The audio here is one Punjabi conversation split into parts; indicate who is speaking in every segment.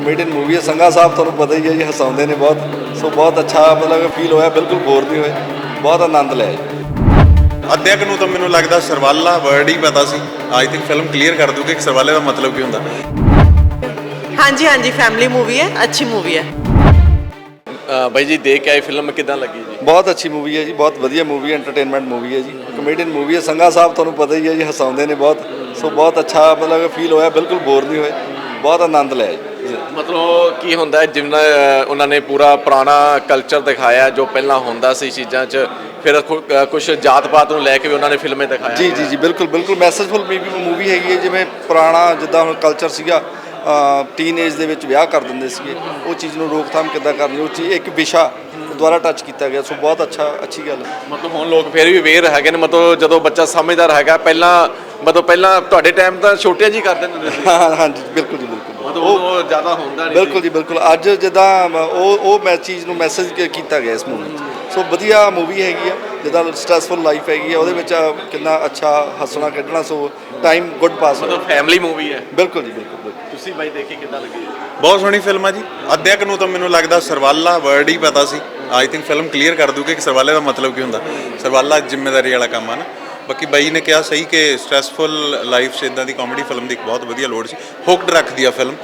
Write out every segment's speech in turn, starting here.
Speaker 1: कमेडियन मूवी है। संघा साहब ਤੁਹਾਨੂੰ ਪਤਾ ਹੀ ਹੈ ਜੀ, ਹਸਾਉਂਦੇ ਨੇ ਬਹੁਤ। ਸੋ ਬਹੁਤ ਅੱਛਾ ਮਤਲਬ ਫੀਲ ਹੋਇਆ, ਬਿਲਕੁਲ ਬੋਰ ਨਹੀਂ ਹੋਏ, ਬਹੁਤ ਆਨੰਦ ਲਿਆ ਜੀ।
Speaker 2: ਅੱਧਿਆਂ ਨੂੰ ਤਾਂ ਮੈਨੂੰ ਲੱਗਦਾ ਸਰਵਾਲਾ ਵਰਡ ਹੀ ਪਤਾ ਸੀ। ਆਈ ਥਿੰਕ ਫਿਲਮ ਕਲੀਅਰ ਕਰ ਦੂਗੀ ਕਿ ਸਰਵਾਲੇ ਦਾ ਮਤਲਬ ਕੀ ਹੁੰਦਾ।
Speaker 3: ਹਾਂਜੀ ਹਾਂਜੀ ਫੈਮਿਲੀ मूवी है, अच्छी मूवी है।
Speaker 4: ਬਾਈ ਜੀ ਦੇਖ ਕੇ ਆਏ ਫਿਲਮ ਕਿਦਾਂ ਲੱਗੀ ਜੀ?
Speaker 1: ਬਹੁਤ ਅੱਛੀ मूवी ਹੈ ਜੀ, ਬਹੁਤ ਵਧੀਆ मूवी ਹੈ, ਐਂਟਰਟੇਨਮੈਂਟ मूवी ਹੈ ਜੀ, ਕਮੇਡੀਅਨ मूवी ਹੈ। ਸੰਘਾ ਸਾਹਿਬ ਤੁਹਾਨੂੰ ਪਤਾ ਹੀ ਹੈ ਜੀ, ਹਸਾਉਂਦੇ ਨੇ ਬਹੁਤ। ਸੋ ਬਹੁਤ ਅੱਛਾ ਮਤਲਬ ਫੀਲ ਹੋਇਆ, ਬਿਲਕੁਲ ਬੋਰ ਨਹੀਂ ਹੋਏ, ਬਹੁਤ ਆਨੰਦ ਲਿਆ ਜੀ।
Speaker 4: ਮਤਲਬ ਕੀ ਹੁੰਦਾ ਜਿੰਨਾ ਉਹਨਾਂ ਨੇ ਪੂਰਾ ਪੁਰਾਣਾ ਕਲਚਰ ਦਿਖਾਇਆ ਜੋ ਪਹਿਲਾਂ ਹੁੰਦਾ ਸੀ ਚੀਜ਼ਾਂ 'ਚ, ਫਿਰ ਕੁਝ ਜਾਤ ਪਾਤ ਨੂੰ ਲੈ ਕੇ ਵੀ ਉਹਨਾਂ ਨੇ ਫਿਲਮੇ ਦਿਖਾਇਆ।
Speaker 1: ਜੀ ਜੀ ਜੀ ਬਿਲਕੁਲ ਬਿਲਕੁਲ ਮੈਸੇਜਫੁਲ मूवी ਹੈਗੀ ਹੈ। ਜਿਵੇਂ ਪੁਰਾਣਾ ਜਿੱਦਾਂ ਹੁਣ ਕਲਚਰ ਸੀਗਾ, ਟੀਨ ਏਜ ਦੇ ਵਿੱਚ ਵਿਆਹ ਕਰ ਦਿੰਦੇ ਸੀਗੇ, ਉਹ ਚੀਜ਼ ਨੂੰ ਰੋਕਥਾਮ ਕਿੱਦਾਂ ਕਰਨੀ, ਉਹ ਚੀਜ਼ ਇੱਕ ਵਿਸ਼ਾ ਦੁਆਰਾ ਟੱਚ ਕੀਤਾ ਗਿਆ। ਸੋ ਬਹੁਤ ਅੱਛੀ ਗੱਲ ਹੈ।
Speaker 4: ਮਤਲਬ ਹੁਣ ਲੋਕ ਫਿਰ ਵੀ ਅਵੇਅਰ ਹੈਗੇ ਨੇ, ਮਤਲਬ ਜਦੋਂ ਬੱਚਾ ਸਮਝਦਾਰ ਹੈਗਾ। ਪਹਿਲਾਂ ਤੁਹਾਡੇ ਟਾਈਮ ਤਾਂ ਛੋਟੇ ਜੀ ਕਰਦੇ ਹੁੰਦੇ ਸੀ।
Speaker 1: ਹਾਂਜੀ ਬਿਲਕੁਲ ਜੀ ਬਿਲਕੁਲ,
Speaker 4: ਮਤਲਬ ਉਹ ਜ਼ਿਆਦਾ ਹੁੰਦਾ ਨਹੀਂ।
Speaker 1: ਬਿਲਕੁਲ ਜੀ ਬਿਲਕੁਲ। ਅੱਜ ਜਿੱਦਾਂ ਉਹ ਮੈਂ ਚੀਜ਼ ਨੂੰ ਮੈਸੇਜ ਕੀਤਾ ਗਿਆ ਇਸ ਮੂਵੀ 'ਚ। ਸੋ ਵਧੀਆ ਮੂਵੀ ਹੈਗੀ ਆ। ਜਿੱਦਾਂ ਸਟ੍ਰੈਸਫੁਲ ਲਾਈਫ ਹੈਗੀ ਆ, ਉਹਦੇ ਵਿੱਚ ਕਿੰਨਾ ਅੱਛਾ ਹੱਸਣਾ ਖੇਡਣਾ। ਸੋ ਟਾਈਮ ਗੁੱਡ ਪਾਸ ਹੋਇਆ।
Speaker 4: ਮਤਲਬ ਫੈਮਿਲੀ ਮੂਵੀ ਹੈ।
Speaker 1: ਬਿਲਕੁਲ ਜੀ ਬਿਲਕੁਲ।
Speaker 4: ਤੁਸੀਂ ਬਾਈ ਦੇਖੀ ਕਿੱਦਾਂ ਲੱਗੀ?
Speaker 2: ਬਹੁਤ ਸੋਹਣੀ ਫਿਲਮ ਆ ਜੀ। ਅੱਧਿਆਂ ਨੂੰ ਤਾਂ ਮੈਨੂੰ ਲੱਗਦਾ ਸਰਵਾਲਾ ਵਰਡ ਹੀ ਪਤਾ ਸੀ। ਆਈ ਥਿੰਕ ਫਿਲਮ ਕਲੀਅਰ ਕਰ ਦੂਗੀ ਕਿ ਸਰਵਾਲੇ ਦਾ ਮਤਲਬ ਕੀ ਹੁੰਦਾ। ਸਰਵਾਲਾ ਜ਼ਿੰਮੇਵਾਰੀ ਵਾਲਾ ਕੰਮ ਆ ਨਾ। ਬਾਕੀ ਬਾਈ ਨੇ ਕਿਹਾ ਸਹੀ ਕਿ ਸਟ੍ਰੈਸਫੁਲ ਲਾਈਫ 'ਚ ਇੱਦਾਂ ਦੀ ਕਾਮੇਡੀ ਫਿਲਮ ਦੀ ਇੱਕ ਬਹੁਤ ਵਧੀਆ ਲੋੜ ਸੀ। ਹੁਕਡ ਰੱਖਦੀ ਆ ਫਿਲਮ,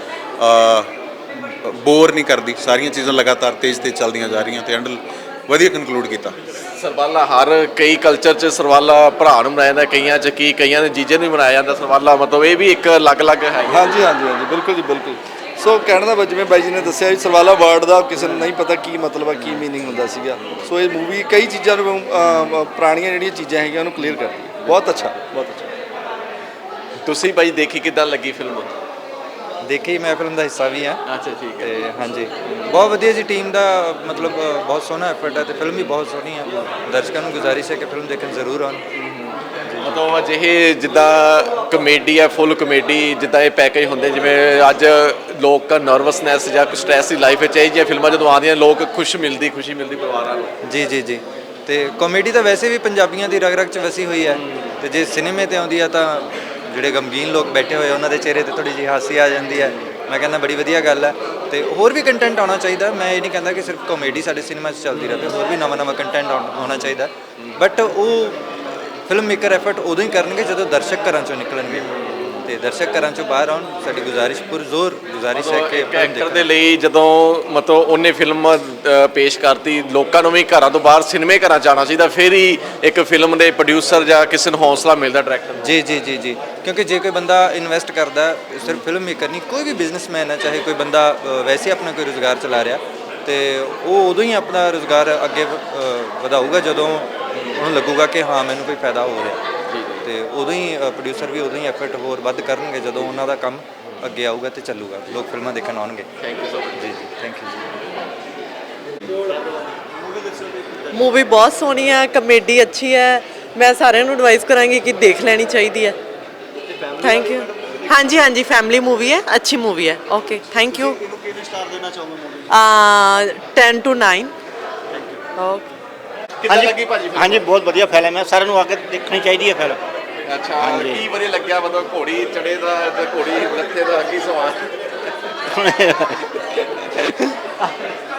Speaker 2: ਬੋਰ ਨਹੀਂ ਕਰਦੀ। ਸਾਰੀਆਂ ਚੀਜ਼ਾਂ ਲਗਾਤਾਰ ਤੇਜ਼ ਚੱਲਦੀਆਂ ਜਾ ਰਹੀਆਂ ਤੇ ਐਂਡ ਵਧੀਆ ਕਨਕਲੂਡ ਕੀਤਾ।
Speaker 4: ਸਰਵਾਲਾ ਹਰ ਕਈ ਕਲਚਰ 'ਚ ਸਰਵਾਲਾ ਭਰਾ ਨੂੰ ਮਨਾਇਆ ਜਾਂਦਾ, ਕਈਆਂ ਦੇ ਜੀਜੇ ਨੂੰ ਵੀ ਮਨਾਇਆ ਜਾਂਦਾ ਸਰਵਾਲਾ। ਮਤਲਬ ਇਹ ਵੀ ਇੱਕ ਅਲੱਗ-ਅਲੱਗ ਹੈ।
Speaker 1: ਹਾਂਜੀ ਹਾਂਜੀ ਹਾਂਜੀ ਬਿਲਕੁਲ ਜੀ ਬਿਲਕੁਲ। ਸੋ ਕਹਿਣ ਦਾ ਜਿਵੇਂ ਬਾਈ ਜੀ ਨੇ ਦੱਸਿਆ ਜੀ, ਸਰਵਾਲਾ ਵਰਡ ਦਾ ਕਿਸੇ ਨੂੰ ਨਹੀਂ ਪਤਾ ਕੀ ਮਤਲਬ ਹੈ, ਕੀ ਮੀਨਿੰਗ ਹੁੰਦਾ ਸੀਗਾ। ਸੋ ਇਹ ਮੂਵੀ ਕਈ ਚੀਜ਼ਾਂ ਨੂੰ ਪੁਰਾਣੀਆਂ ਜਿਹੜੀਆਂ ਚੀਜ਼ਾਂ ਹੈਗੀਆਂ ਉਹਨੂੰ ਕਲੀਅਰ ਕਰਦੀ ਹੈ। ਬਹੁਤ ਅੱਛਾ ਬਹੁਤ ਅੱਛਾ।
Speaker 4: ਤੁਸੀਂ ਬਾਈ ਦੇਖੀ ਕਿੱਦਾਂ ਲੱਗੀ ਫਿਲਮ?
Speaker 5: ਦੇਖੀ, ਮੈਂ ਫਿਲਮ ਦਾ ਹਿੱਸਾ ਵੀ ਹਾਂ।
Speaker 4: ਅੱਛਾ ਠੀਕ ਹੈ।
Speaker 5: ਤੇ ਹਾਂਜੀ ਬਹੁਤ ਵਧੀਆ ਜੀ। ਟੀਮ ਦਾ ਮਤਲਬ ਬਹੁਤ ਸੋਹਣਾ ਐਫਰਟ ਹੈ ਤੇ ਫਿਲਮ ਵੀ ਬਹੁਤ ਸੋਹਣੀ ਹੈ। ਦਰਸ਼ਕਾਂ ਨੂੰ ਗੁਜ਼ਾਰਿਸ਼ ਹੈ ਕਿ ਫਿਲਮ ਦੇਖਣ ਜ਼ਰੂਰ ਆਉਣ।
Speaker 4: ਮਤਲਬ ਅਜਿਹੇ ਜਿੱਦਾਂ ਕਮੇਡੀ ਹੈ, ਫੁੱਲ ਕਮੇਡੀ, ਜਿੱਦਾਂ ਇਹ ਪੈਕੇਜ ਹੁੰਦੇ, ਜਿਵੇਂ ਅੱਜ ਲੋਕ ਨਰਵਸਨੈਸ ਜਾਂ ਸਟ੍ਰੈਸ ਦੀ ਲਾਈਫ ਵਿੱਚ ਇਹ ਜਿਹੀਆਂ ਫਿਲਮਾਂ ਜਦੋਂ ਆਉਂਦੀਆਂ ਲੋਕ ਖੁਸ਼ੀ ਮਿਲਦੀ ਪਰਿਵਾਰਾਂ ਨੂੰ।
Speaker 5: ਜੀ ਜੀ ਜੀ। ਤੇ ਕਾਮੇਡੀ ਤਾਂ ਵੈਸੇ ਵੀ ਪੰਜਾਬੀਆਂ ਦੀ ਰਗ ਰਗ 'ਚ ਵਸੀ ਹੋਈ ਹੈ। ਤੇ ਜੇ ਸਿਨੇਮੇ 'ਤੇ ਆਉਂਦੀ ਹੈ ਤਾਂ ਜਿਹੜੇ ਗਮਗੀਨ ਲੋਕ ਬੈਠੇ ਹੋਏ ਉਹਨਾਂ ਦੇ ਚਿਹਰੇ 'ਤੇ ਥੋੜ੍ਹੀ ਜਿਹੀ ਹਾਸੀ ਆ ਜਾਂਦੀ ਹੈ। ਮੈਂ ਕਹਿੰਦਾ ਬੜੀ ਵਧੀਆ ਗੱਲ ਹੈ। ਤੇ ਹੋਰ ਵੀ ਕੰਟੈਂਟ ਆਉਣਾ ਚਾਹੀਦਾ। ਮੈਂ ਇਹ ਨਹੀਂ ਕਹਿੰਦਾ ਕਿ ਸਿਰਫ ਕਾਮੇਡੀ ਸਾਡੇ ਸਿਨੇਮਾ 'ਚ ਚੱਲਦੀ ਰਹੇ, ਹੋਰ ਵੀ ਨਵਾਂ ਕੰਟੈਂਟ ਆਉਣਾ ਚਾਹੀਦਾ। ਬਟ ਉਹ ਫਿਲਮ ਮੇਕਰ ਐਫਰਟ ਉਦੋਂ ਹੀ ਕਰਨਗੇ ਜਦੋਂ ਦਰਸ਼ਕ ਘਰਾਂ 'ਚੋਂ ਨਿਕਲਣਗੇ ਤੇ ਦਰਸ਼ਕ ਘਰਾਂ 'ਚੋਂ ਬਾਹਰ ਆਉਣ। ਸਾਡੀ ਗੁਜ਼ਾਰਿਸ਼ ਪੁਰਜ਼ੋਰ ਗੁਜ਼ਾਰਿਸ਼ ਹੈ ਕਿ
Speaker 4: ਐਕਟਰ ਦੇ ਲਈ ਜਦੋਂ ਮਤਲਬ ਉਹਨੇ ਫਿਲਮ ਪੇਸ਼ ਕਰਤੀ, ਲੋਕਾਂ ਨੂੰ ਵੀ ਘਰਾਂ ਤੋਂ ਬਾਹਰ ਸਿਨੇਮੇ ਘਰਾਂ 'ਚ ਆਉਣਾ ਚਾਹੀਦਾ। ਫਿਰ ਹੀ ਇੱਕ ਫਿਲਮ ਦੇ ਪ੍ਰੋਡਿਊਸਰ ਜਾਂ ਕਿਸੇ ਨੂੰ ਹੌਸਲਾ ਮਿਲਦਾ, ਡਾਇਰੈਕਟਰ ਨੂੰ।
Speaker 5: ਜੀ ਜੀ ਜੀ ਜੀ। ਕਿਉਂਕਿ ਜੇ ਕੋਈ ਬੰਦਾ ਇਨਵੈਸਟ ਕਰਦਾ, ਸਿਰਫ ਫਿਲਮ ਮੇਕਰ ਨਹੀਂ, ਕੋਈ ਵੀ ਬਿਜ਼ਨਸਮੈਨ ਹੈ, ਚਾਹੇ ਕੋਈ ਬੰਦਾ ਵੈਸੇ ਆਪਣਾ ਕੋਈ ਰੁਜ਼ਗਾਰ ਚਲਾ ਰਿਹਾ, ਤੇ ਉਹ ਉਦੋਂ ਹੀ ਆਪਣਾ ਰੁਜ਼ਗਾਰ ਅੱਗੇ ਵਧਾਊਗਾ ਜਦੋਂ ਉਹਨੂੰ ਲੱਗੂਗਾ ਕਿ ਹਾਂ ਮੈਨੂੰ ਕੋਈ ਫਾਇਦਾ ਹੋ ਰਿਹਾ। ਤੇ ਉਦੋਂ ਹੀ ਪ੍ਰੋਡਿਊਸਰ ਵੀ ਉਦੋਂ ਹੀ ਐਫਰਟ ਹੋਰ ਵੱਧ ਕਰਨਗੇ ਜਦੋਂ ਉਹਨਾਂ ਦਾ ਕੰਮ ਅੱਗੇ ਆਊਗਾ ਤੇ ਚੱਲੂਗਾ, ਲੋਕ ਫਿਲਮਾਂ ਦੇਖਣ ਆਉਣਗੇ।
Speaker 4: Thank you so much.
Speaker 5: ਜੀ ਜੀ ਥੈਂਕ ਯੂ ਜੀ।
Speaker 3: मूवी बहुत सोहनी है, कमेडी अच्छी है। मैं सारे ਨੂੰ एडवाइस करांगी कि देख लेनी चाहिए है। Thank you. हाँ जी हाँ जी फैमिली मूवी है, अच्छी मूवी है। Okay thank you. 10 to 9। Okay.
Speaker 4: ਕਿੱਦਾਂ ਲੱਗੀ ਭਾਜੀ?
Speaker 6: ਹਾਂਜੀ ਬਹੁਤ ਵਧੀਆ ਫਿਲਮ ਹੈ, ਸਾਰਿਆਂ ਨੂੰ ਆ ਕੇ ਦੇਖਣੀ ਚਾਹੀਦੀ ਹੈ ਫਿਲਮ।
Speaker 4: ਅੱਛਾ ਕੀ ਵਧੀਆ ਲੱਗਿਆ? ਮਤਲਬ ਘੋੜੀ ਚੜੇ ਦਾ ਤੇ ਘੋੜੀ ਲੱਥੇ ਦਾ ਕੀ ਸਵਾਲ?